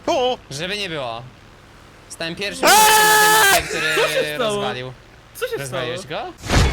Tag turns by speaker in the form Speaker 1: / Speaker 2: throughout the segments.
Speaker 1: O!
Speaker 2: Żeby nie było. Stałem pierwszym człowiekiem na tej mapie, który
Speaker 3: stało?
Speaker 2: rozwalił.
Speaker 3: Co się stało?
Speaker 2: Rozwaliłeś go?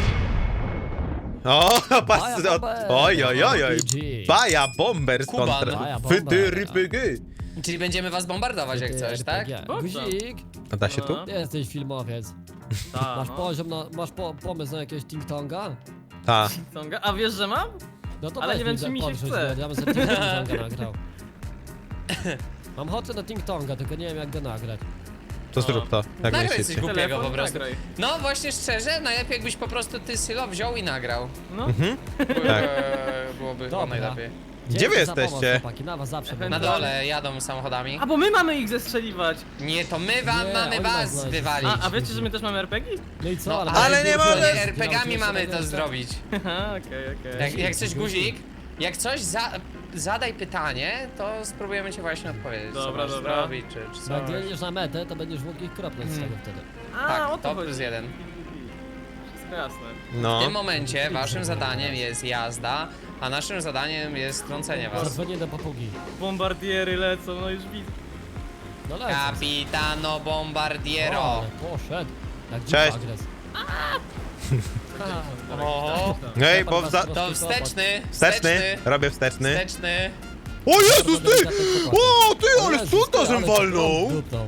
Speaker 1: O, patrz,
Speaker 4: Baja bomber.
Speaker 1: oj, oj, oj, oj.
Speaker 4: RPG.
Speaker 1: Baja bomber
Speaker 2: Kuban.
Speaker 1: kontra
Speaker 4: Baja bomber.
Speaker 1: Fytyrypygy.
Speaker 2: Czyli będziemy was bombardować jak coś, tak?
Speaker 4: Guzik,
Speaker 1: A da się tu?
Speaker 3: No.
Speaker 4: jesteś filmowiec.
Speaker 3: Ta,
Speaker 4: Masz
Speaker 3: no.
Speaker 4: poziom na, pomysł na jakiegoś ting-tonga?
Speaker 1: Ta.
Speaker 3: Tonga. A wiesz, że mam?
Speaker 4: No to
Speaker 3: Ale
Speaker 4: weź
Speaker 3: nie wiem, czy mi się
Speaker 4: podrzuć
Speaker 3: chce.
Speaker 4: go, ja bym sobie ting-tonga nagrał. Mam ochotę na ting-tonga, tylko nie wiem jak go nagrać.
Speaker 1: To zrób to, jak
Speaker 2: Nagraj coś
Speaker 1: myślicie.
Speaker 2: głupiego
Speaker 3: Telefon
Speaker 2: po prostu.
Speaker 3: nagraj.
Speaker 2: No właśnie szczerze, najlepiej jakbyś po prostu ty Sylo wziął i nagrał.
Speaker 3: No.
Speaker 1: Tak.
Speaker 2: Byłoby chyba
Speaker 4: Dobra.
Speaker 2: najlepiej.
Speaker 1: Gdzie wy
Speaker 4: Dzięki za pomoc,
Speaker 1: jesteście?
Speaker 4: chłopaki, na was zawsze
Speaker 3: Na
Speaker 2: Na
Speaker 4: będę.
Speaker 2: dole jadą samochodami.
Speaker 3: A bo my mamy ich zestrzeliwać.
Speaker 2: Nie, to my wam
Speaker 4: Nie,
Speaker 2: mamy
Speaker 4: oni
Speaker 2: was
Speaker 4: nas znaleźli.
Speaker 2: wywalić.
Speaker 3: A wiecie, że my też mamy RPG?
Speaker 4: No i co,
Speaker 2: No,
Speaker 1: ale nie mamy-
Speaker 2: nie, RPG-ami mamy to zrobić.
Speaker 3: Haha, okej.
Speaker 2: Jak coś guzik, jak coś zadaj pytanie, to spróbujemy ci właśnie odpowiedzieć.
Speaker 3: Dobra,
Speaker 2: co masz
Speaker 3: dobra.
Speaker 2: zrobić, czy
Speaker 4: Bo
Speaker 2: coś.
Speaker 4: jak jedziesz na metę, to będziesz mógł ich kropnąć z tego wtedy.
Speaker 3: A,
Speaker 2: Tak,
Speaker 3: o
Speaker 2: to
Speaker 3: to
Speaker 2: plus
Speaker 3: chodzi.
Speaker 2: 1.
Speaker 3: Wszystko jasne.
Speaker 2: W
Speaker 1: No.
Speaker 2: tym momencie waszym zadaniem jest jazda, a naszym zadaniem jest strącenie was.
Speaker 4: Zadzwonię do papugi.
Speaker 3: Bombardiery lecą, no już widzę.
Speaker 4: No lecę.
Speaker 2: Capitano Bombardiero.
Speaker 4: O, poszedł. Jak
Speaker 1: Cześć.
Speaker 4: dziś agres.
Speaker 2: O,
Speaker 1: Ej, bo
Speaker 2: to wsteczny,
Speaker 1: Wsteczny, robię wsteczny.
Speaker 2: wsteczny.
Speaker 1: O Jezus, ty! O, ty, ale co to żem walnął?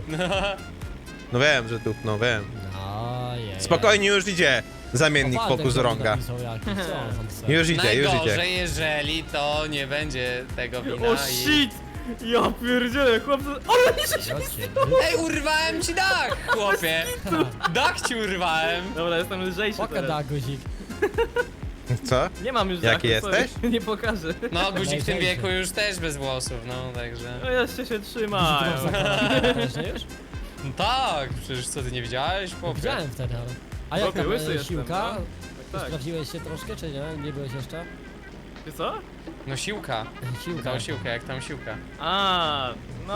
Speaker 1: No wiem, że dupnął, wiem. Spokojnie, już idzie zamiennik fokus rąga. Już idzie, już idzie.
Speaker 2: Najgorzej, jeżeli to nie będzie tego wina
Speaker 3: O
Speaker 2: i...
Speaker 3: shit! Ja pierdzielę, chłopcy. O, nie, że się...
Speaker 2: Ej, urwałem ci dach, chłopie! Dach ci urwałem!
Speaker 3: Dobra, jestem lżejszy
Speaker 4: Poka
Speaker 3: teraz.
Speaker 4: da guzik.
Speaker 1: Co?
Speaker 3: Nie mam już
Speaker 1: Jaki
Speaker 3: dachu, sorry.
Speaker 1: jesteś?
Speaker 3: Nie pokażę.
Speaker 2: No, guzik w tym
Speaker 4: Najgorzej.
Speaker 2: wieku już też bez włosów, no, także...
Speaker 3: No jeszcze się trzymają.
Speaker 4: już?
Speaker 2: No tak, przecież co, ty nie widziałeś, chłopie?
Speaker 4: Widziałem wtedy, ale... A jak
Speaker 3: Chłopie,
Speaker 4: tam
Speaker 3: łysy jestem,
Speaker 4: siłka?
Speaker 3: no. Tak.
Speaker 4: Sprawdziłeś się troszkę, czy nie? Nie byłeś jeszcze?
Speaker 3: Ty co?
Speaker 2: No siłka.
Speaker 4: Siłka.
Speaker 2: Tą siłkę, jak tam siłka.
Speaker 3: A, no.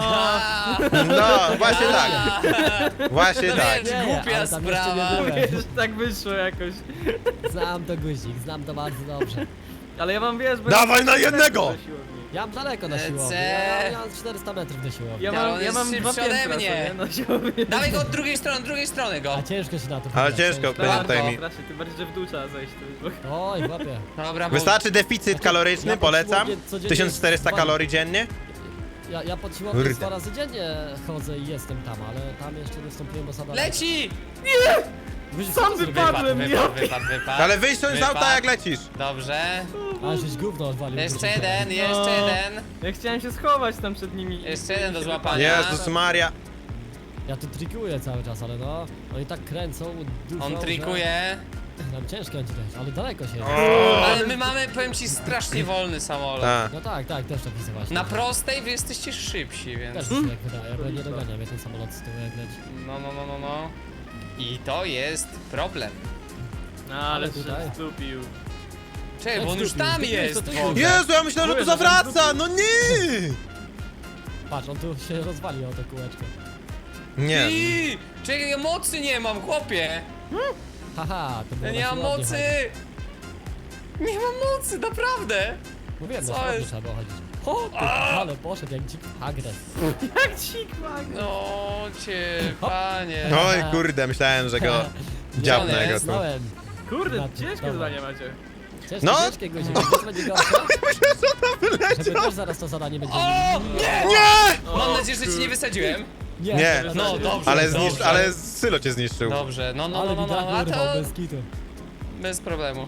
Speaker 1: No, właśnie tak. Właśnie tak.
Speaker 2: Wiesz,
Speaker 4: Nie,
Speaker 2: głupia
Speaker 4: ale tam jeszcze
Speaker 2: sprawa.
Speaker 4: nie byłem.
Speaker 3: Wiesz, tak wyszło jakoś.
Speaker 4: Znam to guzik, znam to bardzo dobrze.
Speaker 3: Ale ja mam, wiesz, bo...
Speaker 1: Dawaj na jednego!
Speaker 3: Do siłowni.
Speaker 4: Ja mam daleko na
Speaker 2: Lecę.
Speaker 4: siłowni, ja mam 400 metrów do siłowni.
Speaker 3: Ja
Speaker 2: Ja, on
Speaker 3: mam, ja
Speaker 2: jest
Speaker 3: mam
Speaker 2: szybszy
Speaker 3: 2
Speaker 2: ode
Speaker 3: piętra
Speaker 2: mnie.
Speaker 3: sobie na siłowni.
Speaker 2: Dawaj go od drugiej strony go.
Speaker 4: A ciężko się na to
Speaker 1: Ale
Speaker 4: wpinać,
Speaker 1: ciężko,
Speaker 4: ciężko.
Speaker 1: pamiętaj mi.
Speaker 3: Strasznie, ty bardziej, że w dół trzeba zejść. To już...
Speaker 4: Oj, chłopie.
Speaker 2: Dobra, bo...
Speaker 1: Wystarczy deficyt kaloryczny,
Speaker 4: Ja po
Speaker 1: polecam.
Speaker 4: siłowni codziennie
Speaker 1: 1400 kalorii dziennie.
Speaker 4: Ja pod siłownię
Speaker 1: Kurde.
Speaker 4: 2 razy dziennie chodzę i jestem tam, ale tam jeszcze nie wstąpiłem do sadala.
Speaker 2: Leci!
Speaker 4: Guzik,
Speaker 3: Sam
Speaker 4: co ty
Speaker 3: wypadł.
Speaker 4: zrobiłeś?
Speaker 2: Wypadł.
Speaker 1: Ale wyjdź z auta jak lecisz.
Speaker 2: Dobrze.
Speaker 4: A, żeś gówno odwalił.
Speaker 2: Jeszcze
Speaker 4: guzika.
Speaker 2: jeden, jeszcze
Speaker 3: No.
Speaker 2: jeden.
Speaker 3: Ja chciałem się schować tam przed nimi.
Speaker 2: Jeszcze jeden do złapania.
Speaker 1: Jezus Maria.
Speaker 4: Ja tu trikuję cały czas, ale no, oni tak kręcą dużo,
Speaker 2: On
Speaker 4: że...
Speaker 2: trikuje.
Speaker 4: Tam ciężko będzie dojść, ale daleko się jedzie.
Speaker 2: Ale my mamy, powiem ci, strasznie wolny samolot.
Speaker 1: A.
Speaker 4: No tak, też tak widzę właśnie.
Speaker 2: Na prostej wy jesteście szybsi, więc...
Speaker 4: Też mi się tak wydaje, bo nie dogania mnie ten samolot z tyłu jak leci.
Speaker 2: No. I to jest problem.
Speaker 3: No, ale
Speaker 4: Ale tutaj.
Speaker 3: się stupił.
Speaker 2: Czekaj, bo on już tam jest w ogóle.
Speaker 1: Jezu, ja myślałem, że tu zawraca. No nie!
Speaker 4: Patrz, on tu się rozwalił o to kółeczko.
Speaker 1: Nie.
Speaker 2: I, czekaj, ja mocy nie mam, chłopie.
Speaker 4: Haha, to było
Speaker 2: Ja
Speaker 4: na
Speaker 2: nie mam
Speaker 4: siłownię
Speaker 2: mocy.
Speaker 4: chodzić.
Speaker 2: Nie mam mocy, naprawdę.
Speaker 4: Mówiłem,
Speaker 2: Co
Speaker 4: na siłownię
Speaker 2: jest?
Speaker 4: trzeba było chodzić. O, ty, ale poszedł jak dzik agres.
Speaker 3: Jak cikmak.
Speaker 2: No cię, panie.
Speaker 1: Oj kurde, myślałem, że go dziabnę go tu.
Speaker 4: Znałem.
Speaker 3: Kurde,
Speaker 4: Na ty,
Speaker 3: ciężkie
Speaker 4: dobra.
Speaker 3: zadanie macie.
Speaker 4: Ciężkie,
Speaker 1: No.
Speaker 4: ciężkie guzik, to będzie gorsze. Żeby też zaraz to zadanie będzie...
Speaker 2: O, nie!
Speaker 1: Nie!
Speaker 2: Mam nadzieję, że ci nie wysadziłem.
Speaker 1: Nie.
Speaker 2: No, dobrze,
Speaker 1: Ale,
Speaker 2: dobrze.
Speaker 1: ale Sylo cię zniszczył.
Speaker 2: Dobrze, no,
Speaker 4: Ale
Speaker 2: a
Speaker 4: widać
Speaker 2: to
Speaker 4: urwał bez kitu.
Speaker 2: bez problemu.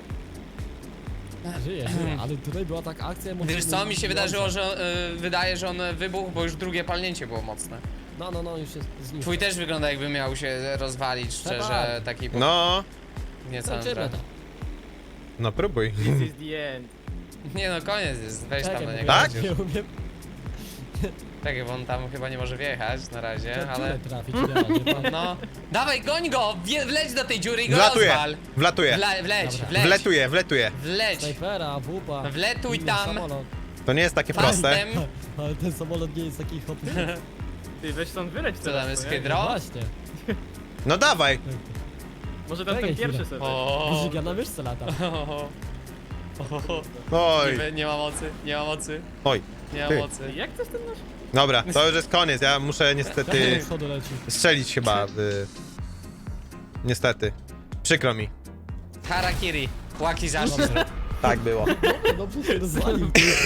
Speaker 4: Żyje, ale tutaj była taka akcja...
Speaker 2: Wiesz co, mi się wydarzyło, że wydaje, że on wybuchł, bo już drugie palnięcie było mocne.
Speaker 4: No, już jest zniszczony.
Speaker 2: Twój też wygląda jakby miał się rozwalić, szczerze, taki
Speaker 1: No,
Speaker 2: nieco.
Speaker 4: Kończymy to.
Speaker 1: no próbuj.
Speaker 3: This is the end.
Speaker 2: Nie no, koniec jest, weź tam
Speaker 4: Czekaj,
Speaker 2: na
Speaker 4: bo
Speaker 2: niego.
Speaker 4: ja
Speaker 1: Tak?
Speaker 4: Nie umiem
Speaker 2: Czekaj, bo on tam chyba nie może wjechać na razie, ale...
Speaker 4: ale... trafić idealnie.
Speaker 2: No, dawaj, goń go! Wleć do tej dziury i go
Speaker 1: Wlatuję,
Speaker 2: rozwal!
Speaker 1: wlatuję.
Speaker 2: Wleć,
Speaker 4: Dobra.
Speaker 2: wleć!
Speaker 1: Wletuję.
Speaker 2: Wleć!
Speaker 4: Snajpera, wupa.
Speaker 2: Wletuj
Speaker 4: inny
Speaker 2: tam.
Speaker 4: Samolot.
Speaker 1: To nie jest takie proste.
Speaker 2: Pastem!
Speaker 4: Ale ten samolot nie jest taki hopny.
Speaker 3: Ty, weź stąd wyleć
Speaker 2: Co
Speaker 3: teraz,
Speaker 2: tam jest,
Speaker 3: co nie?
Speaker 2: hydro?
Speaker 4: No właśnie.
Speaker 1: No dawaj.
Speaker 3: Może tam
Speaker 4: Czekaj
Speaker 3: ten pierwszy
Speaker 4: chwilę.
Speaker 3: sobie.
Speaker 2: O,
Speaker 4: Guzik, ja na myszce lata.
Speaker 1: Oj.
Speaker 2: nie ma mocy, nie ma mocy,
Speaker 1: Oj.
Speaker 2: nie ma
Speaker 1: Ty.
Speaker 2: mocy.
Speaker 3: Jak to jest ten nasz?
Speaker 1: Dobra, to już jest koniec, ja muszę niestety
Speaker 4: Z przodu leci.
Speaker 1: strzelić chyba. Niestety. Przykro mi.
Speaker 2: Harakiri. Łaki zaszczyt.
Speaker 1: Tak było.
Speaker 4: Dobrze się rozwalił.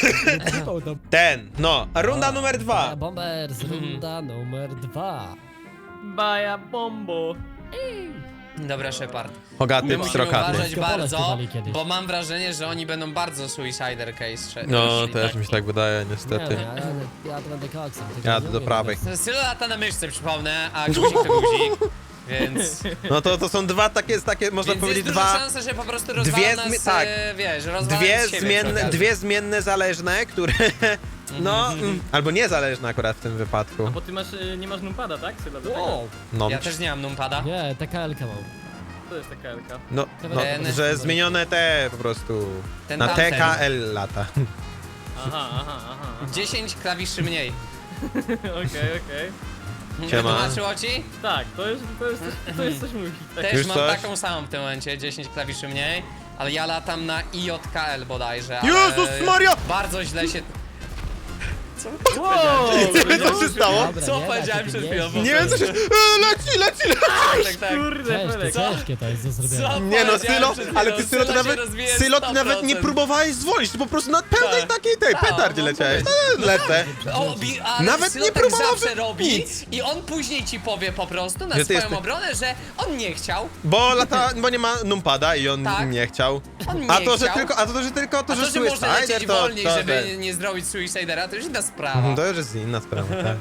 Speaker 1: No, runda numer 2.
Speaker 4: Bombers, runda numer 2.
Speaker 3: Baja bombo.
Speaker 2: Dobra, Shepard. My
Speaker 1: Hogaty,
Speaker 2: musimy
Speaker 1: pstrokaty.
Speaker 2: uważać
Speaker 4: Wszystko pole
Speaker 2: bardzo,
Speaker 4: śpiewali kiedyś.
Speaker 2: bo mam wrażenie, że oni będą bardzo Suicider Case.
Speaker 1: No, też mi się tak wydaje,
Speaker 4: Nie,
Speaker 1: niestety.
Speaker 4: no, ja to będę koksem. tylko
Speaker 1: Jadę
Speaker 4: nie
Speaker 1: do
Speaker 4: umiem
Speaker 1: prawej.
Speaker 4: bez-
Speaker 2: Sylo lata na myszce, przypomnę, a guzik to guzik. Więc
Speaker 1: No to są dwa takie, można
Speaker 2: jest
Speaker 1: powiedzieć,
Speaker 2: duża
Speaker 1: dwa...
Speaker 2: szansa, że po prostu
Speaker 1: dwie
Speaker 2: rozwala nas,
Speaker 1: zmi- tak.
Speaker 2: wiesz, rozwala nas siebie przy okazji.
Speaker 1: Dwie zmienne zależne, które... No, albo niezależne akurat w tym wypadku.
Speaker 3: Bo ty masz, nie masz numpada, tak? Syla, do tego?
Speaker 4: Wow.
Speaker 1: No,
Speaker 2: Ja też nie mam numpada.
Speaker 4: Nie, TKL-kę mam.
Speaker 3: To jest taka elka.
Speaker 1: no,
Speaker 2: Ten-
Speaker 1: że zmienione te po prostu...
Speaker 2: Ten
Speaker 1: Na
Speaker 2: tamten.
Speaker 1: TKL lata.
Speaker 3: Aha.
Speaker 2: 10 klawiszy mniej.
Speaker 3: Okej.
Speaker 1: Siema.
Speaker 2: Tłumaczyło ci?
Speaker 3: Tak, to jest coś mój hit. Tak.
Speaker 2: Też
Speaker 1: Już
Speaker 2: mam
Speaker 1: coś?
Speaker 2: taką samą w tym momencie, 10 klawiszy mniej. Ale ja latam na IJKL bodajże. ale
Speaker 1: Jezus Maria!
Speaker 2: Bardzo źle się...
Speaker 3: Wow!
Speaker 1: Co się stało?
Speaker 4: Dobra,
Speaker 2: Co
Speaker 4: nie da
Speaker 2: powiedziałem
Speaker 4: się
Speaker 2: przed
Speaker 4: tym
Speaker 2: chwilą?
Speaker 4: jeździć.
Speaker 1: Nie wiem co się... leci!
Speaker 2: Tak.
Speaker 3: Kurde,
Speaker 4: Ciężkie,
Speaker 3: Felek.
Speaker 4: ciężkie to jest do zrobienia.
Speaker 2: Co?
Speaker 1: Nie no,
Speaker 2: Powiedziałem
Speaker 1: Sylo,
Speaker 2: przed
Speaker 1: ale
Speaker 2: chwilą,
Speaker 1: ty Sylo to
Speaker 2: Sylo się
Speaker 1: nawet...
Speaker 2: rozwija
Speaker 1: Sylo ty nawet nie
Speaker 2: 100%.
Speaker 1: próbowałeś zwolnić, ty po prostu na pełnej
Speaker 2: Tak.
Speaker 1: takiej tej
Speaker 2: Tak,
Speaker 1: petardzie
Speaker 2: no,
Speaker 1: leciałeś.
Speaker 2: mówię.
Speaker 1: No, lecę.
Speaker 2: Ale
Speaker 1: Nawet
Speaker 2: Sylo
Speaker 1: nie
Speaker 2: tak
Speaker 1: próbowałby
Speaker 2: zawsze robi
Speaker 1: nic.
Speaker 2: i on później ci powie po prostu na
Speaker 1: Że ty
Speaker 2: swoją
Speaker 1: jesteś-
Speaker 2: obronę, że on nie chciał,
Speaker 1: Bo nie ma numpada i on
Speaker 2: Tak.
Speaker 1: nie chciał.
Speaker 2: on nie
Speaker 1: A to, że
Speaker 2: chciał.
Speaker 1: tylko, to,
Speaker 2: A to, że można lecieć
Speaker 1: Suicider,
Speaker 2: wolniej,
Speaker 1: to,
Speaker 2: żeby nie zrobić Suicidera, to już inna sprawa.
Speaker 1: To już jest inna sprawa, tak.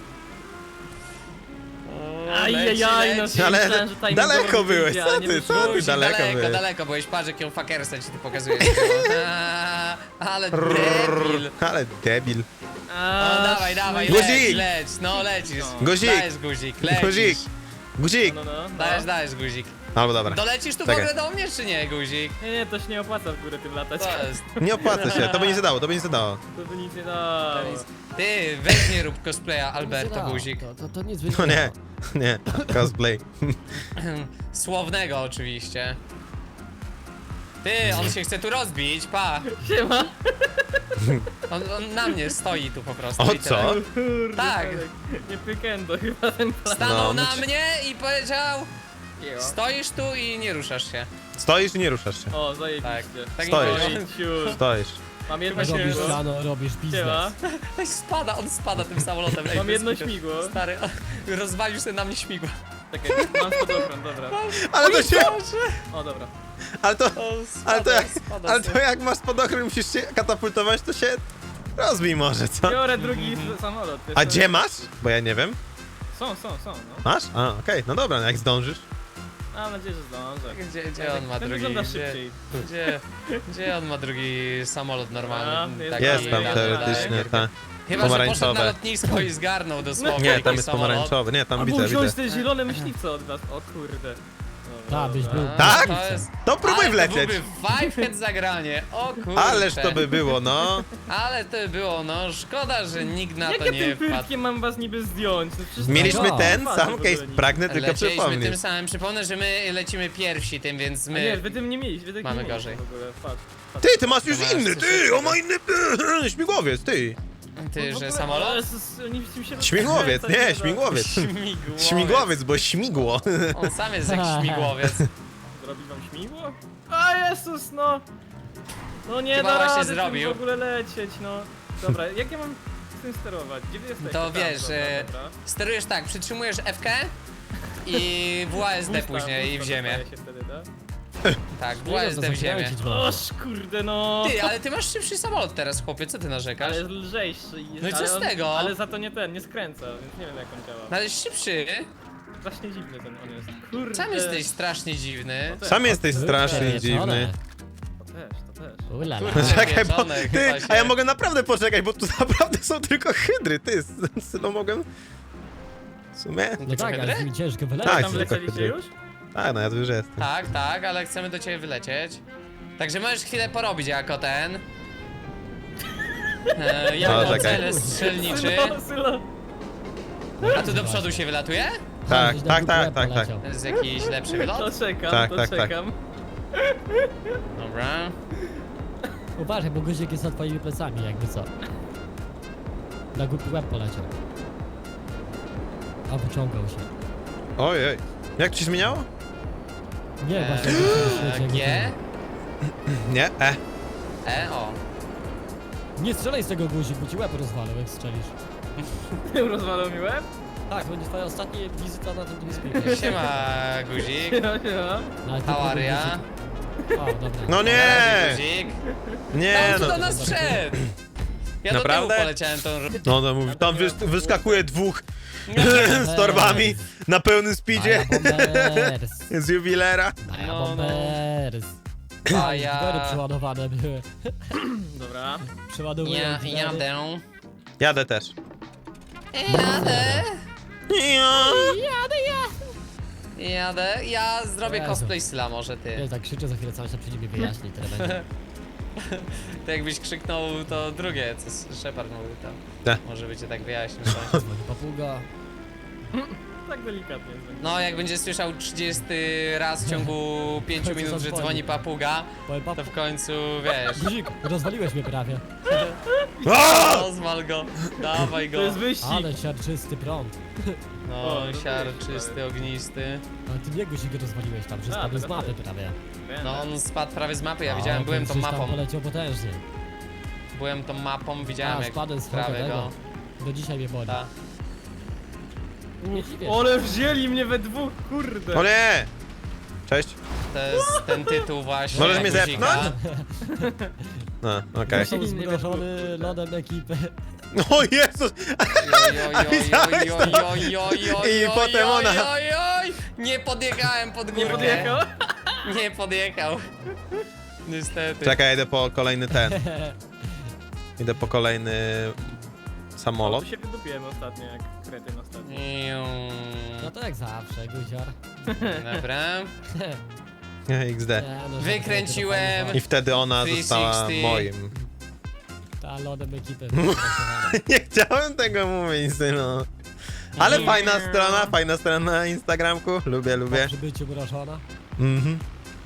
Speaker 3: Ajajaj, no
Speaker 2: leci.
Speaker 1: Ale
Speaker 3: myślałem, że timing
Speaker 1: daleko
Speaker 3: dobry
Speaker 1: byłeś,
Speaker 3: wyjdzie,
Speaker 1: co
Speaker 3: a nie
Speaker 1: ty,
Speaker 3: wyszło.
Speaker 1: co ty,
Speaker 2: Guzik,
Speaker 1: daleko byłeś.
Speaker 2: daleko byłeś, patrz jaką fakersę ci ty pokazujesz. Ale debil.
Speaker 1: Ale debil.
Speaker 2: O, dawaj,
Speaker 1: Guzik!
Speaker 2: leć, no lecisz.
Speaker 1: Guzik!
Speaker 2: Dajesz guzik, lecisz.
Speaker 1: Guzik! Guzik!
Speaker 3: No.
Speaker 2: Dajesz guzik.
Speaker 1: Albo dobra.
Speaker 2: Dolecisz tu w
Speaker 1: Czekaj.
Speaker 2: ogóle do mnie, czy nie, guzik?
Speaker 3: Nie, to się nie opłaca w górę tym latać.
Speaker 2: To jest.
Speaker 1: Nie opłaca się, to by nie zadało, to by nie zadało.
Speaker 3: To by nic nie dało.
Speaker 2: Ty, weź nie rób cosplaya
Speaker 4: Nic nie
Speaker 2: Alberto
Speaker 4: dało.
Speaker 2: Guzik.
Speaker 4: To nic by
Speaker 1: No nie,
Speaker 4: dało.
Speaker 1: nie, cosplay.
Speaker 2: Słownego oczywiście. Ty, on się chce tu rozbić, pa.
Speaker 3: Siema.
Speaker 2: On na mnie stoi tu po prostu.
Speaker 1: O
Speaker 2: i tyle.
Speaker 1: co?
Speaker 3: Kurde,
Speaker 2: Tak.
Speaker 3: Felek. Nie pykendo chyba ten plan.
Speaker 2: Stanął
Speaker 1: No,
Speaker 2: na mnie i powiedział: stoisz tu i nie ruszasz się.
Speaker 1: Stoisz i nie ruszasz się.
Speaker 3: O,
Speaker 2: Tak.
Speaker 3: zajebiście.
Speaker 2: Tak
Speaker 1: Stoisz.
Speaker 3: Ojciu.
Speaker 1: Stoisz.
Speaker 3: Mam jedno
Speaker 2: Chyba się
Speaker 4: Robisz
Speaker 3: śmigło.
Speaker 4: plano, robisz
Speaker 3: Siema.
Speaker 4: biznes.
Speaker 2: On spada tym samolotem. Ej,
Speaker 3: Mam
Speaker 2: bez
Speaker 3: jedno
Speaker 2: kitu.
Speaker 3: śmigło.
Speaker 2: Stary, rozwalił sobie na mnie śmigło.
Speaker 3: Czekaj, mam spadochron, dobra.
Speaker 1: Ale to się,
Speaker 3: O, dobra.
Speaker 1: ale to,
Speaker 2: Spada
Speaker 1: ale
Speaker 2: sobie.
Speaker 1: to jak masz podochron i musisz się katapultować, to się rozbij może, co?
Speaker 3: Biorę drugi samolot. wiesz
Speaker 1: A
Speaker 3: co?
Speaker 1: gdzie masz? Bo ja nie wiem.
Speaker 3: Są, no.
Speaker 1: Masz? A, okej, no dobra, no jak zdążysz.
Speaker 3: Mam nadzieję, że zdążę.
Speaker 2: Gdzie on ma
Speaker 3: Ten
Speaker 2: drugi?
Speaker 3: wygląda
Speaker 2: Gdzie,
Speaker 3: szybciej.
Speaker 2: gdzie on ma drugi samolot normalny?
Speaker 3: jest
Speaker 2: Taki
Speaker 1: Jest tam
Speaker 3: tak,
Speaker 1: teoretycznie, tak.
Speaker 2: Chyba, że poszedł na
Speaker 1: pomarańczowe.
Speaker 2: lotnisko i zgarnął dosłownie
Speaker 1: Nie, tam
Speaker 2: jakiś
Speaker 1: jest
Speaker 2: samolot.
Speaker 1: pomarańczowy, nie, tam
Speaker 3: Albo
Speaker 1: widzę,
Speaker 3: wziąć
Speaker 1: widzę.
Speaker 3: te zielone myśliwce od nas. O kurde.
Speaker 4: Tak, byś był.
Speaker 1: Tak?
Speaker 2: To jest...
Speaker 1: To próbuj
Speaker 2: Ale
Speaker 1: wlecieć.
Speaker 2: To byłby five head zagranie, o kurczę.
Speaker 1: Ależ to by było, no.
Speaker 2: Ale to by było, no szkoda, że nikt na
Speaker 3: Jak
Speaker 2: to
Speaker 3: ja
Speaker 2: nie
Speaker 3: tym
Speaker 2: wpadł.
Speaker 3: pyrtkiem mam was niby zdjąć? No przecież
Speaker 1: Mieliśmy
Speaker 4: No.
Speaker 1: ten
Speaker 3: Fajnie
Speaker 1: sam
Speaker 3: w ogóle
Speaker 1: case,
Speaker 3: nie.
Speaker 1: pragnę tylko
Speaker 2: Lecieliśmy
Speaker 1: przypomnieć.
Speaker 2: tym samym, przypomnę, że my lecimy pierwsi tym, więc
Speaker 3: A
Speaker 2: my...
Speaker 3: nie, wy tym nie mieliście, wy tym
Speaker 2: Mamy
Speaker 3: nie mieliście
Speaker 2: gorzej.
Speaker 3: w ogóle. Patrz.
Speaker 1: Ty masz już
Speaker 2: To masz
Speaker 1: inny,
Speaker 2: coś
Speaker 1: ty,
Speaker 2: takiego.
Speaker 1: on ma inny śmigłowiec, ty.
Speaker 2: Ty,
Speaker 3: W
Speaker 2: że
Speaker 3: ogóle-
Speaker 2: samolot?
Speaker 3: ale oni w tym się
Speaker 1: Śmigłowiec,
Speaker 3: rozkręcać
Speaker 1: nie,
Speaker 3: da.
Speaker 1: śmigłowiec.
Speaker 2: Śmigłowiec.
Speaker 1: Śmigłowiec, bo śmigło.
Speaker 2: On sam jest jak śmigłowiec.
Speaker 3: Zrobi wam śmigło? A Jezus, no! No nie
Speaker 2: Chyba
Speaker 3: da
Speaker 2: właśnie
Speaker 3: rady tym
Speaker 2: zrobił.
Speaker 3: w ogóle lecieć, no. Dobra, jak ja mam z tym sterować? Gdzie wy jesteście?
Speaker 2: To
Speaker 3: Tam,
Speaker 2: wiesz,
Speaker 3: dobra.
Speaker 2: sterujesz tak, przytrzymujesz F-kę i WASD
Speaker 3: Pusta,
Speaker 2: później i w
Speaker 3: pusta
Speaker 2: ziemię.
Speaker 3: dostaje się wtedy, da?
Speaker 2: Tak,
Speaker 4: Nie wiem,
Speaker 2: WASD
Speaker 4: co
Speaker 2: w ziemię.
Speaker 4: zakręcić można.
Speaker 3: Oż kurde, no!
Speaker 2: Ty, ale ty masz szybszy samolot teraz, chłopie, co ty narzekasz?
Speaker 3: Ale jest lżejszy i...
Speaker 2: No i co
Speaker 3: ale
Speaker 2: z
Speaker 3: on-
Speaker 2: tego?
Speaker 3: Ale za to nie ten, nie skręca, więc nie wiem jak on działa.
Speaker 2: No ale jest szybszy.
Speaker 3: Strasznie dziwny ten on jest. Kurde.
Speaker 2: Sam jesteś strasznie dziwny.
Speaker 3: No też,
Speaker 1: Sam jesteś strasznie
Speaker 4: Wieczone.
Speaker 1: dziwny.
Speaker 3: To też.
Speaker 4: Ulala.
Speaker 2: Kurde.
Speaker 1: Czekaj, bo
Speaker 2: Wieczone
Speaker 1: ty,
Speaker 2: chyba się.
Speaker 1: a ja mogę naprawdę poczekać, bo tu naprawdę są tylko hydry, ty, no mogę... W sumie?
Speaker 4: No tak, ale z nimi ciężko wylecieć.
Speaker 1: Tak,
Speaker 3: Tam
Speaker 1: tylko
Speaker 3: wlecieliście
Speaker 1: hydry.
Speaker 3: już?
Speaker 1: Tak, no ja tu już jestem.
Speaker 2: Tak, tak, ale chcemy do ciebie wylecieć. Także możesz chwilę porobić jako ten. Jako
Speaker 1: czekaj.
Speaker 2: cel strzelniczy.
Speaker 3: Sylo.
Speaker 2: A tu do przodu się wylatuje?
Speaker 1: Tak,
Speaker 4: Żeś na
Speaker 1: tak,
Speaker 4: głupi
Speaker 1: tak,
Speaker 4: łeb
Speaker 1: tak, tak.
Speaker 4: poleciał.
Speaker 2: To jest jakiś lepszy
Speaker 3: To
Speaker 2: wylot?
Speaker 3: czekam,
Speaker 1: Tak,
Speaker 3: to
Speaker 1: tak, tak.
Speaker 3: czekam.
Speaker 2: Dobra.
Speaker 4: Uważaj, bo guzik jest za twoimi plecami, jakby co. Na głupi łeb poleciał. A wyciągał się.
Speaker 1: Ojej. Jak ci zmieniało?
Speaker 4: Nie, właśnie.
Speaker 2: G?
Speaker 1: Nie,
Speaker 2: O.
Speaker 4: Nie strzelaj z tego guzik, bo ci łeb rozwalę, jak strzelisz.
Speaker 3: Ty rozwalał mi łeb?
Speaker 4: Tak, będzie twoja ostatnia wizyta na tym teamspeaku.
Speaker 2: Siema, guzik.
Speaker 3: Ja.
Speaker 2: How are ya?
Speaker 4: O, dobra.
Speaker 1: No
Speaker 2: Na razie,
Speaker 1: nie!
Speaker 2: guzik.
Speaker 1: Nie,
Speaker 2: Tam tu
Speaker 1: no.
Speaker 2: do nas wszedł. Ja
Speaker 1: Naprawdę?
Speaker 2: do tyłu poleciałem tą...
Speaker 1: No, no mówi, tam wyskakuje dwóch z torbami na pełnym speedzie
Speaker 4: Bombers.
Speaker 1: z jubilera.
Speaker 4: Maja
Speaker 2: No, no.
Speaker 4: bombers.
Speaker 2: A ja...
Speaker 4: Zgory przeładowane były.
Speaker 3: Dobra.
Speaker 4: Przeładowuję.
Speaker 2: Ja
Speaker 4: zgory.
Speaker 2: jadę.
Speaker 1: Jadę też.
Speaker 2: Jadę.
Speaker 1: Ja.
Speaker 2: Jadę. Ja zrobię
Speaker 4: Jezu.
Speaker 2: cosplay Syla może
Speaker 4: Ja
Speaker 2: ty.
Speaker 4: tak krzyczę za chwilę, cały czas przyjdzie mi wyjaśni, tyle będzie.
Speaker 2: To jakbyś krzyknął to drugie, co Shepard mówił tam.
Speaker 1: Tak.
Speaker 2: Może by cię tak wyjaśnił.
Speaker 4: Dzwoni papuga.
Speaker 3: Tak delikatnie.
Speaker 2: No, jak będzie słyszał 30 raz w ciągu 5
Speaker 4: Co
Speaker 2: minut, że
Speaker 4: zadzwoni.
Speaker 2: dzwoni papuga,
Speaker 4: Powiem
Speaker 2: to
Speaker 4: papu...
Speaker 2: w końcu, wiesz,
Speaker 4: Guzik, rozwaliłeś mnie prawie.
Speaker 1: A!
Speaker 2: rozwal go, dawaj
Speaker 3: To
Speaker 2: go.
Speaker 3: jest wyścig.
Speaker 4: Ale siarczysty prąd.
Speaker 2: No,
Speaker 3: O, no
Speaker 2: siarczysty, ognisty.
Speaker 4: Ale ty nie guzik rozwaliłeś tam, że
Speaker 3: A,
Speaker 4: spadł z
Speaker 3: taka
Speaker 4: mapy
Speaker 3: to-
Speaker 4: prawie.
Speaker 3: Wiem.
Speaker 2: No, on spadł prawie z mapy, ja
Speaker 4: O,
Speaker 2: widziałem,
Speaker 4: ten
Speaker 2: byłem tą
Speaker 4: gdzieś tam
Speaker 2: mapą.
Speaker 4: poleciał potężnie.
Speaker 2: Byłem tą mapą, widziałem
Speaker 4: A,
Speaker 2: jak
Speaker 4: spadłem z
Speaker 2: prawie go.
Speaker 4: tego. Do dzisiaj mnie boli.
Speaker 2: Ta.
Speaker 4: Nie dziwię się.
Speaker 3: Ale wzięli mnie we dwóch, kurde.
Speaker 1: O nie! Cześć.
Speaker 2: To jest ten tytuł właśnie.
Speaker 1: Możesz mnie
Speaker 2: guzika.
Speaker 1: zepchnąć? No, okej.
Speaker 4: Są zmrożony lodem ekipy.
Speaker 1: O Jezus! I potem ona.
Speaker 2: Nie podjechałem pod górkę.
Speaker 3: Nie podjechał?
Speaker 2: Nie podjechał. Niestety.
Speaker 1: Czekaj, idę po kolejny ten. Idę po kolejny samolot.
Speaker 3: Tu się wydupiłem ostatnio, jak kretyn ostatnio.
Speaker 4: No to jak zawsze, guzior.
Speaker 2: Dobra.
Speaker 1: XD.
Speaker 4: Nie, no,
Speaker 2: Wykręciłem.
Speaker 1: I wtedy ona
Speaker 2: 360.
Speaker 1: została moim.
Speaker 4: Ta lodem ekipy.
Speaker 1: Nie chciałem tego mówić, synu. Ale
Speaker 2: Nie.
Speaker 1: fajna strona na Instagramku. Lubię, lubię.
Speaker 4: Przy byciu mrożona.
Speaker 1: Mhm.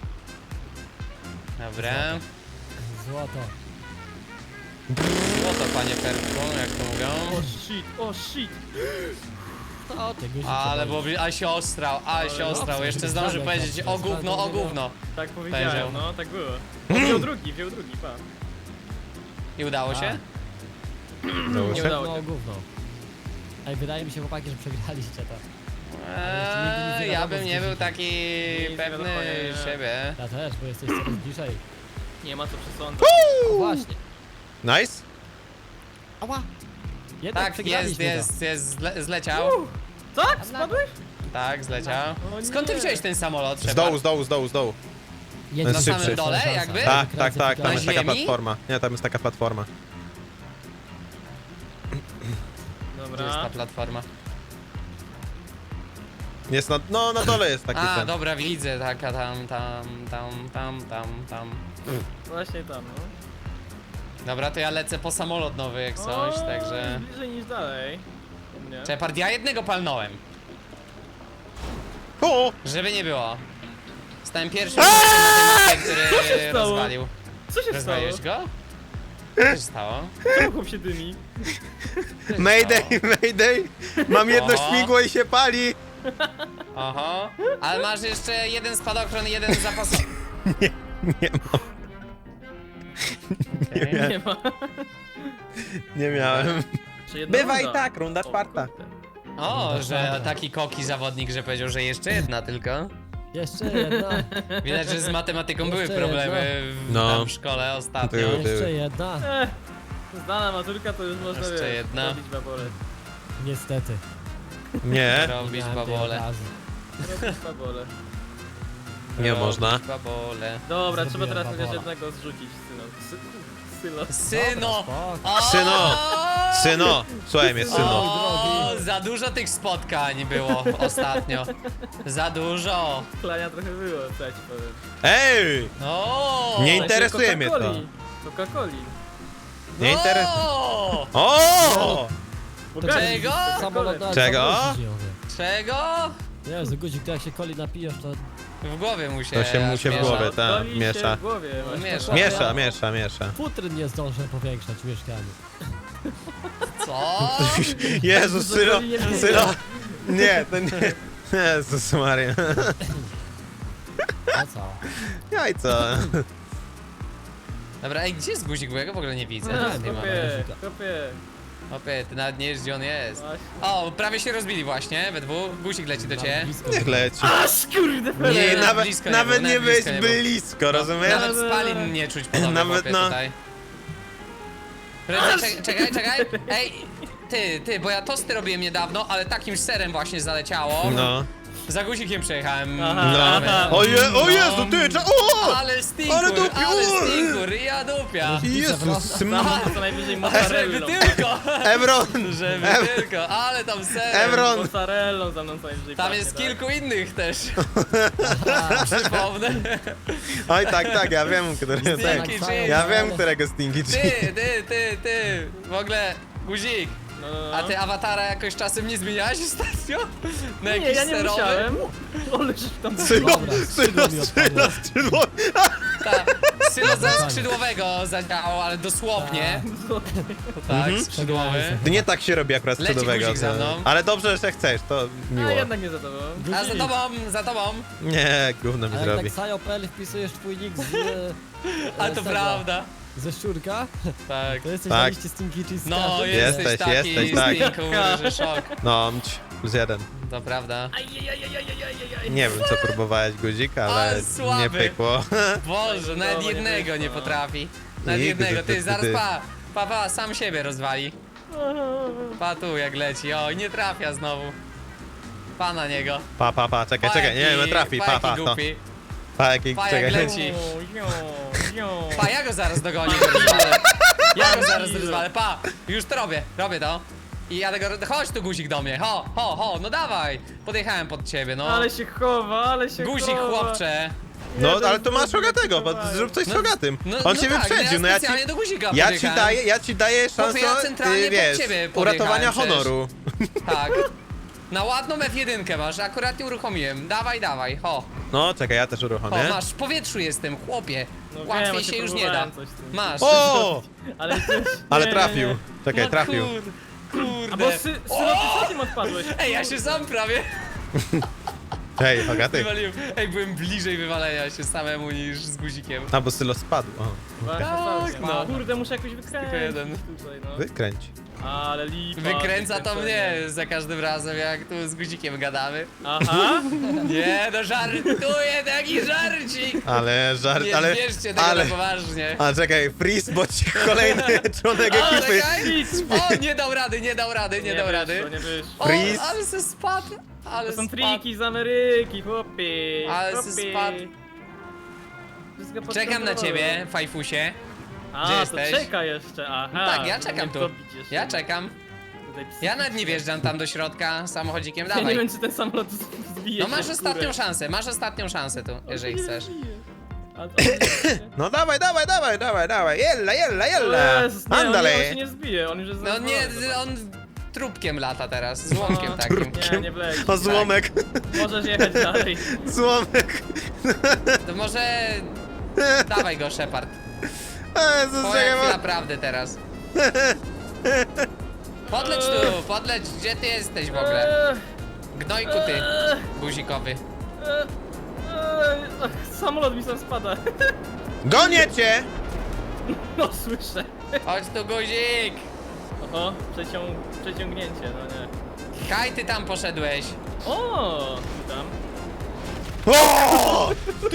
Speaker 2: Dobra.
Speaker 4: Złoto.
Speaker 2: Złoto, panie Perku, jak to mówią.
Speaker 3: O shit.
Speaker 4: O, ty guzik.
Speaker 2: Ale bo a się ostrał, a się ostrał. Jeszcze zdąży powiedzieć o gówno, o gówno.
Speaker 3: Tak powiedziałem,
Speaker 2: Powiedział.
Speaker 3: no, tak było. O, wziął drugi, pa.
Speaker 2: I udało się?
Speaker 1: Udało
Speaker 3: Nie
Speaker 1: się?
Speaker 3: udało
Speaker 4: No
Speaker 3: się.
Speaker 4: gówno. Ej, wydaje mi się, chłopaki, że przegraliście to.
Speaker 2: Ja bym nie był taki
Speaker 3: Nic nie
Speaker 2: pewny
Speaker 3: wiadomo, nie.
Speaker 2: siebie.
Speaker 4: Ja też, bo jesteś coraz bliżej.
Speaker 3: Nie ma co przesądzać.
Speaker 4: O, właśnie.
Speaker 1: Nice?
Speaker 4: Ała. Jednak
Speaker 2: Tak,
Speaker 4: przegraliśmy
Speaker 2: zleciał.
Speaker 3: Tak? Spadłeś?
Speaker 2: Tak, zleciał.
Speaker 3: O
Speaker 2: Skąd ty
Speaker 3: nie.
Speaker 2: wziąłeś ten samolot,
Speaker 1: Z
Speaker 2: Shepard?
Speaker 1: dołu.
Speaker 4: to. Jedziesz
Speaker 1: Na samym
Speaker 4: szybciej.
Speaker 2: dole,
Speaker 4: Szansa.
Speaker 2: jakby?
Speaker 1: Tak,
Speaker 4: Wykręcę,
Speaker 1: tam
Speaker 2: Na
Speaker 1: jest taka
Speaker 2: ziemi?
Speaker 1: platforma. Nie, tam jest taka platforma.
Speaker 2: Gdzie jest
Speaker 3: Dobra.
Speaker 2: ta platforma?
Speaker 1: Jest na dole jest taki
Speaker 2: A,
Speaker 1: ten.
Speaker 2: dobra, widzę, taka tam.
Speaker 3: Właśnie tam, no.
Speaker 2: Dobra, to ja lecę po samolot nowy jak coś,
Speaker 3: O,
Speaker 2: także...
Speaker 3: bliżej niż dalej. U mnie.
Speaker 2: Shepard, ja jednego palnąłem,
Speaker 1: O!
Speaker 2: żeby nie było. Stałem pierwszym na tej mapie, który
Speaker 3: stało?
Speaker 2: rozwalił.
Speaker 3: Co się stało?
Speaker 2: Rozwaliłeś go? Co się stało?
Speaker 3: Czemu chłop się dymi?
Speaker 2: Co się
Speaker 1: Mayday,
Speaker 2: stało?
Speaker 1: mayday! Mam jedno
Speaker 2: Oho.
Speaker 1: śmigło i się pali!
Speaker 2: Oho, ale masz jeszcze jeden spadochron i jeden zapasowy.
Speaker 1: Nie mam,
Speaker 2: Okay.
Speaker 3: Nie ma.
Speaker 1: nie miałem.
Speaker 3: Czy jedna
Speaker 1: Bywa
Speaker 3: runda?
Speaker 1: i tak, runda
Speaker 3: O,
Speaker 1: czwarta.
Speaker 3: kurde.
Speaker 2: O, że taki koki zawodnik, że powiedział, że jeszcze jedna tylko.
Speaker 4: Jeszcze jedna.
Speaker 2: Widać, że z matematyką były
Speaker 4: Jeszcze
Speaker 2: problemy
Speaker 1: No.
Speaker 2: tam w szkole ostatnio.
Speaker 1: Były.
Speaker 4: Jeszcze jedna.
Speaker 3: Zdana maturka to już można
Speaker 2: Jeszcze
Speaker 3: wiesz,
Speaker 2: jedna.
Speaker 3: robić babole.
Speaker 4: Niestety.
Speaker 1: Nie,
Speaker 2: Robić
Speaker 4: Miałem tej
Speaker 2: babole.
Speaker 4: okazji.
Speaker 3: Robić babole.
Speaker 1: nie można.
Speaker 2: Robić babole.
Speaker 3: Dobra, trzeba
Speaker 4: Zrobiłem
Speaker 3: teraz chociaż
Speaker 4: babola.
Speaker 3: jednego zrzucić, Sylo.
Speaker 2: Syno!
Speaker 4: Spoko.
Speaker 2: O!
Speaker 1: Syno! Syno! Słuchaj mnie, syno.
Speaker 2: O, za dużo tych spotkań było ostatnio. Za dużo.
Speaker 3: Klania trochę było, co ja ci powiem.
Speaker 1: Ej!
Speaker 2: O!
Speaker 1: Nie interesuje mnie to.
Speaker 3: Coca-Coli.
Speaker 1: Nie interesuje.
Speaker 2: O!
Speaker 1: O!
Speaker 2: Czego?
Speaker 4: Samolot na
Speaker 1: Czego?
Speaker 2: Czego?
Speaker 4: Jezu, guzik, to jak się coli napijesz, to...
Speaker 2: W głowie mu się
Speaker 1: To się mu się w
Speaker 2: miesza.
Speaker 1: głowie, tak,
Speaker 3: Coli się
Speaker 1: miesza.
Speaker 3: w głowie, właśnie.
Speaker 2: Miesza.
Speaker 1: Miesza.
Speaker 4: Futryn nie zdążę powiększać w mieszkaniu.
Speaker 2: Co?
Speaker 1: Jezus, syno, syno, Nie, to nie. Jezus Maria.
Speaker 4: No co?
Speaker 1: Jajco.
Speaker 2: Dobra, ej, gdzie jest guzik, bo ja go w ogóle nie widzę.
Speaker 3: No,
Speaker 2: Nie ma.
Speaker 3: kopie.
Speaker 2: Opie, ty nawet nie wiesz, gdzie on jest.
Speaker 3: Właśnie.
Speaker 2: O, prawie się rozbili właśnie, we dwóch. Guzik leci do ciebie.
Speaker 4: Blisko.
Speaker 1: Niech leci.
Speaker 3: Aż kurde,
Speaker 2: Nie,
Speaker 1: Nie,
Speaker 2: nawet
Speaker 1: nawet,
Speaker 2: blisko nie
Speaker 1: nawet
Speaker 2: było,
Speaker 1: nie
Speaker 2: nawet
Speaker 1: być
Speaker 2: blisko nie było.
Speaker 1: blisko, rozumiesz?
Speaker 2: Nawet spalin nie czuć podobno
Speaker 1: Nawet,
Speaker 2: Opie,
Speaker 1: no.
Speaker 2: tutaj. Prędzej, czekaj. Ej, ty, bo ja tosty robiłem niedawno, ale takim serem właśnie zaleciało.
Speaker 1: No.
Speaker 2: Za guzikiem przejechałem.
Speaker 3: Aha.
Speaker 1: No. O Jezu, ty, o!
Speaker 2: Ale stinkur,
Speaker 1: Ale dupi,
Speaker 2: ale
Speaker 1: o!
Speaker 2: stinkur, ja dupia.
Speaker 1: Jezus,
Speaker 3: Co najwyżej
Speaker 2: Żeby
Speaker 3: mozzarellą.
Speaker 2: tylko,
Speaker 1: Ebron!
Speaker 2: żeby tylko, ale tam serem.
Speaker 1: Ebron!
Speaker 3: Mozzarellą za mną co najwyżej
Speaker 2: Tam
Speaker 3: pachnie,
Speaker 2: jest
Speaker 3: tak?
Speaker 2: kilku innych też. Przypomnę.
Speaker 1: Oj, tak, ja wiem, który
Speaker 2: Stinky
Speaker 1: tak.
Speaker 2: cheese.
Speaker 1: Ja wiem, którego Stinky Cheese.
Speaker 2: Ty. W ogóle, guzik.
Speaker 3: No.
Speaker 2: A ty awatara jakoś czasem nie zmieniałeś ostatnio? Na
Speaker 3: Nie,
Speaker 2: jakiś
Speaker 3: ja nie
Speaker 2: serowy?
Speaker 3: musiałem. Ale że tam
Speaker 4: Dobra, skrzydło.
Speaker 1: Skrzydło.
Speaker 2: Tak, sylo ze skrzydłowego zadziałał, ale dosłownie. Tak, skrzydłowy.
Speaker 1: To nie tak się robi akurat
Speaker 2: Leci
Speaker 1: skrzydłowego.
Speaker 2: guzik za mną.
Speaker 1: Ale dobrze, że chcesz, to miło.
Speaker 3: A jednak nie za tobą.
Speaker 2: A za tobą.
Speaker 1: Nie, gówno mi
Speaker 4: A jak tak
Speaker 1: zrobi.
Speaker 4: Sajo.pl wpisujesz twój nick z...
Speaker 2: A to
Speaker 4: tego,
Speaker 2: prawda.
Speaker 4: Ze szczurka,
Speaker 2: Tak.
Speaker 4: to jesteś
Speaker 1: Tak.
Speaker 4: na liście Stinky Cheese.
Speaker 2: No,
Speaker 1: Jesteś,
Speaker 2: jesteś taki
Speaker 1: tak.
Speaker 2: stinkur, że szok.
Speaker 1: No, +1.
Speaker 2: To prawda.
Speaker 1: Nie wiem, co próbowałeś, guzik, ale
Speaker 2: Ale słaby.
Speaker 1: nie pykło.
Speaker 2: Boże, nawet
Speaker 3: Dobra, nie
Speaker 2: jednego nie
Speaker 3: wyszło.
Speaker 2: potrafi. Nawet
Speaker 1: Nigdy,
Speaker 2: jednego, ty,
Speaker 1: ty.
Speaker 2: zaraz pa, sam siebie rozwali. Pa tu jak leci, o, nie trafia znowu. Pa na niego.
Speaker 1: Pa, czekaj, nie wiem, trafi,
Speaker 2: pa,
Speaker 1: pa,
Speaker 2: jaki
Speaker 1: to.
Speaker 2: głupi.
Speaker 1: Pa, jaki,
Speaker 2: Pa, jak
Speaker 1: czekaj.
Speaker 2: leci. Pa, ja go zaraz dogonię, rozwalę. Ja go zaraz rozwalę, pa, już to robię to. I ja tego, chodź tu guzik do mnie, ho, no dawaj. Podjechałem pod ciebie, no.
Speaker 3: Ale się chowa.
Speaker 2: Guzik, chłopcze.
Speaker 1: No, ale to masz Rogatego, bo zrób coś z Rogatym. On cię
Speaker 2: tak,
Speaker 1: wyprzedził, no
Speaker 2: ja
Speaker 1: ja ci...
Speaker 2: specjalnie do guzika
Speaker 1: Ja
Speaker 2: podjechałem.
Speaker 1: ci daję szansę,
Speaker 2: ja centralnie pod
Speaker 1: wiesz,
Speaker 2: ciebie
Speaker 1: uratowania
Speaker 2: podjechałem
Speaker 1: honoru.
Speaker 2: Tak. Na ładną F1 masz, akurat nie uruchomiłem. Dawaj, ho.
Speaker 1: No, czekaj, ja też
Speaker 2: O,
Speaker 1: uruchomię.
Speaker 2: masz, w powietrzu jestem, chłopie.
Speaker 3: No wiem,
Speaker 2: Łatwiej
Speaker 3: właśnie
Speaker 2: się już nie da.
Speaker 3: próbowałem coś z tym.
Speaker 2: Masz.
Speaker 1: O!
Speaker 3: Ale też...
Speaker 1: Ale
Speaker 3: nie,
Speaker 1: trafił.
Speaker 3: nie.
Speaker 1: Czekaj,
Speaker 2: No
Speaker 1: trafił.
Speaker 3: A bo
Speaker 2: Kurde.
Speaker 3: Sylo, ty tym odpadłeś.
Speaker 2: Ej, ja się sam prawie
Speaker 1: Hej, Hogaty.
Speaker 2: wywaliłem. Ej, byłem bliżej wywalenia się samemu niż z guzikiem.
Speaker 1: A, bo Sylo spadł. O,
Speaker 3: Właśnie,
Speaker 2: Tak, no.
Speaker 3: Kurde, muszę jakoś wykręcić
Speaker 2: jeden.
Speaker 3: tutaj, no.
Speaker 1: wykręć.
Speaker 3: Ale lipa.
Speaker 2: Wykręca to
Speaker 3: wykręcenie.
Speaker 2: mnie za każdym razem, jak tu z guzikiem gadamy.
Speaker 3: Aha.
Speaker 2: Nie, no żartuję, taki żarcik.
Speaker 1: Ale żart,
Speaker 2: Nie
Speaker 1: ale...
Speaker 2: bierzcie tego
Speaker 1: ale...
Speaker 2: na poważnie.
Speaker 1: A czekaj, freeze, bo ci kolejny członek
Speaker 2: O,
Speaker 1: ekipy.
Speaker 2: czekaj! O, nie dał rady.
Speaker 3: Nie wyszło, nie wyszło.
Speaker 2: O,
Speaker 1: Freeze.
Speaker 2: ale se spadł. Ale
Speaker 3: To są
Speaker 2: spadł.
Speaker 3: triki z Ameryki, chłopie.
Speaker 2: Ale se
Speaker 3: chłopie.
Speaker 2: spadł.
Speaker 3: Wszystko pod
Speaker 2: Czekam na
Speaker 3: kontrolą.
Speaker 2: ciebie, fajfusie.
Speaker 3: A,
Speaker 2: Gdzie
Speaker 3: to
Speaker 2: jesteś?
Speaker 3: czeka jeszcze, aha.
Speaker 2: Tak, ja czekam
Speaker 3: Nie
Speaker 2: tu.
Speaker 3: to bić jeszcze.
Speaker 2: Ja czekam.
Speaker 3: Tutaj
Speaker 2: Ja nawet nie wjeżdżam tam do środka samochodzikiem,
Speaker 3: Ja nie
Speaker 2: dawaj.
Speaker 3: wiem, czy ten samolot zbije
Speaker 2: No
Speaker 3: się
Speaker 2: masz
Speaker 3: w
Speaker 2: ostatnią
Speaker 3: górę.
Speaker 2: szansę, masz ostatnią szansę tu, jeżeli
Speaker 3: Nie
Speaker 2: chcesz.
Speaker 3: zbije. A to-
Speaker 1: No dawaj, jella,
Speaker 3: Jezus, nie, on
Speaker 1: Andale.
Speaker 3: się nie zbije, on już jest
Speaker 2: No nie,
Speaker 3: zadowolony.
Speaker 2: on trupkiem lata teraz, złomkiem
Speaker 3: No,
Speaker 2: takim.
Speaker 3: Nie wleci.
Speaker 1: O, złomek,
Speaker 3: Możesz jechać dalej.
Speaker 1: złomek.
Speaker 2: To może... Dawaj go, Shepard.
Speaker 1: Jezus,
Speaker 2: Twoja chwila
Speaker 1: czekaj,
Speaker 2: prawdy teraz. Podleć tu, podleć, gdzie ty jesteś w ogóle? Gnojku ty, guzikowy.
Speaker 3: Ach, samolot mi sam spada.
Speaker 1: gonię cię!
Speaker 3: No słyszę.
Speaker 2: Chodź tu, guzik!
Speaker 3: Oho, przeciągnięcie, no nie.
Speaker 2: Kaj, ty tam poszedłeś.
Speaker 3: O, tu tam.
Speaker 1: O!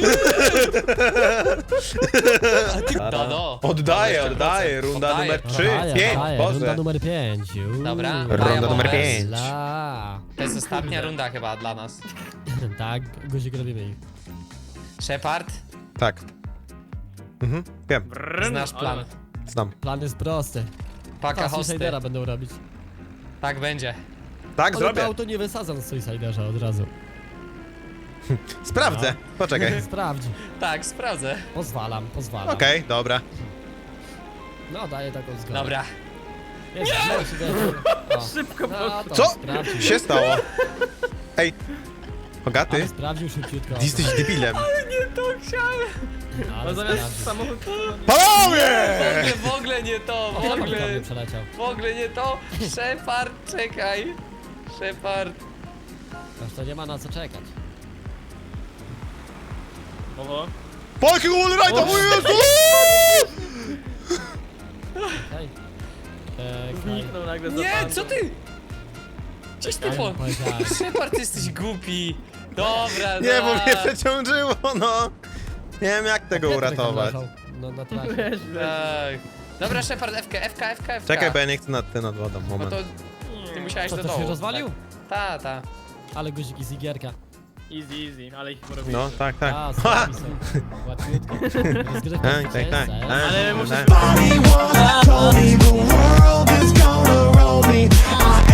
Speaker 2: No.
Speaker 1: Oddaję, runda
Speaker 2: Oddaję.
Speaker 1: numer 3,
Speaker 4: Daję,
Speaker 1: 5,
Speaker 4: daję,
Speaker 1: Boże.
Speaker 4: runda numer 5.
Speaker 2: Dobra,
Speaker 1: Runda
Speaker 2: daję
Speaker 1: numer
Speaker 2: bombę.
Speaker 1: 5.
Speaker 4: La.
Speaker 2: To jest ostatnia runda chyba dla nas.
Speaker 4: Tak, guzik robimy ich.
Speaker 2: Shepard,
Speaker 1: Tak. Mhm, wiem,
Speaker 3: Brrrn,
Speaker 2: znasz plan.
Speaker 3: ale-
Speaker 1: znam.
Speaker 4: Plan jest prosty.
Speaker 2: Paka hosty.
Speaker 4: Suicidera będą robić.
Speaker 2: Tak będzie.
Speaker 1: Tak,
Speaker 4: Ale to
Speaker 1: zrobię.
Speaker 4: auto nie wysadzam z Suiciderza od razu.
Speaker 1: Sprawdzę. Poczekaj.
Speaker 4: Sprawdź.
Speaker 2: Tak, sprawdzę.
Speaker 4: Pozwalam.
Speaker 1: Okej, dobra.
Speaker 4: No, daję taką zgodę.
Speaker 2: Dobra.
Speaker 4: Jest, o.
Speaker 3: Szybko
Speaker 4: No, to
Speaker 1: Co?
Speaker 4: sprawdził.
Speaker 1: się stało? Ej, Hogaty,
Speaker 4: Ale sprawdził szybciutko.
Speaker 1: ty jesteś debilem.
Speaker 2: Nie to chciałem.
Speaker 4: Ale
Speaker 3: No zamiast
Speaker 4: sprawdził.
Speaker 3: samochód...
Speaker 1: Panowie!
Speaker 2: W ogóle nie to, w
Speaker 4: Shepard
Speaker 2: ogóle.
Speaker 4: do mnie przeleciał.
Speaker 2: W ogóle nie to. Shepard, czekaj. Shepard.
Speaker 4: Aż to nie ma na co czekać.
Speaker 3: Oho.
Speaker 1: Po jakiego wallride'a,
Speaker 3: O,
Speaker 1: mój Jezu!
Speaker 4: Okej.
Speaker 3: Zniknął nagle za
Speaker 2: Nie,
Speaker 3: pandą.
Speaker 2: co ty? Gdzieś ty
Speaker 4: Ja
Speaker 2: po...
Speaker 4: bym powiedział.
Speaker 2: Shepard, ty jesteś głupi. Dobra,
Speaker 1: Nie, bo
Speaker 2: dobra.
Speaker 1: mnie przeciążyło, no. Nie wiem jak tego
Speaker 4: Pietrek tam
Speaker 1: uratować.
Speaker 4: leżał, no, na trasie.
Speaker 3: Weź.
Speaker 2: Tak. Dobra, Shepard, FK.
Speaker 1: Czekaj, bo ja nie chcę nad wodą,
Speaker 2: Bo
Speaker 1: moment.
Speaker 2: to ty musiałeś
Speaker 4: Co,
Speaker 2: do
Speaker 4: to
Speaker 2: dołu.
Speaker 4: się rozwalił?
Speaker 2: Tak. Ta.
Speaker 4: Ale guziki z igierka.
Speaker 3: Easy, ale ich porobiłem.
Speaker 1: No, tak, tak.
Speaker 4: A,
Speaker 1: Ha!
Speaker 4: są. Łatwiutko. Rozgrywka
Speaker 1: Tak, tak, tak.
Speaker 4: zwycięzca,
Speaker 3: Ale muszę
Speaker 1: tak.
Speaker 5: Body once told me the world is gonna roll me. I